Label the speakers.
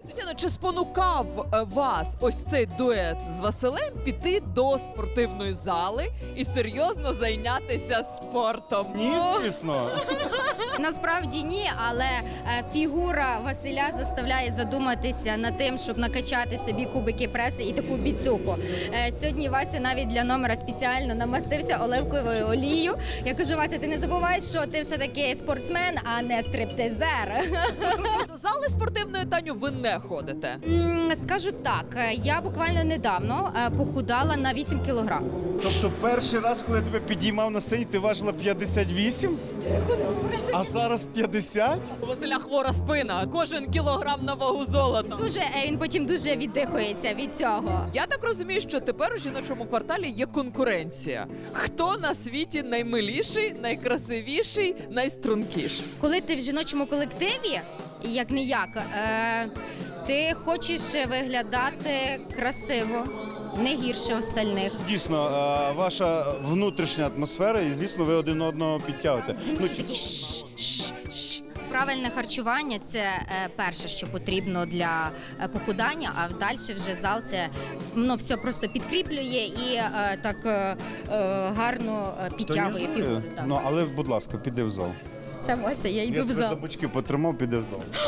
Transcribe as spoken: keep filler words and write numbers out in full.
Speaker 1: Тетяно, чи спонукав е, вас ось цей дует з Василем піти до спортивної зали і серйозно зайнятися спортом?
Speaker 2: Ні, звісно.
Speaker 3: Насправді ні, але е, фігура Василя заставляє задуматися над тим, щоб накачати собі кубики преси і таку біцуху. Е, Сьогодні Вася навіть для номера спеціально намастився оливковою олією. Я кажу, Вася, ти не забувай, що ти все-таки спортсмен, а не стриптизер.
Speaker 1: До зали спортивної, Таню, ви не ходите.
Speaker 3: М, Скажу так, е, я буквально недавно е, похудала на вісім кілограм.
Speaker 2: Тобто перший раз, коли я тебе підіймав на сцені, ти важила п'ятдесят вісім? А зараз п'ятдесят?
Speaker 1: У Василя хвора спина, кожен кілограм на вагу золота.
Speaker 3: Дуже е, він потім дуже віддихується від цього.
Speaker 1: Я так розумію, що тепер у жіночому кварталі є конкуренція. Хто на світі наймиліший, найкрасивіший, найстрункіший?
Speaker 3: Коли ти в жіночому колективі, як не як, е, ти хочеш виглядати красиво, не гірше остальних.
Speaker 2: Дійсно, е, ваша внутрішня атмосфера, і звісно, ви один одного підтягуєте. Ну, чи-
Speaker 3: Такі ш, ш, ш. Правильне харчування – це е, перше, що потрібно для е, похудання, а далі вже зал це ну, все просто підкріплює і е, так е, е, гарно е, підтягує
Speaker 2: Тонізує.
Speaker 3: фігуру. Так.
Speaker 2: Ну, але, будь ласка, піди в зал.
Speaker 3: Все, Вася, я йду
Speaker 2: Я
Speaker 3: в
Speaker 2: тебе за
Speaker 3: зал.
Speaker 2: бочки потримав, піди в зал.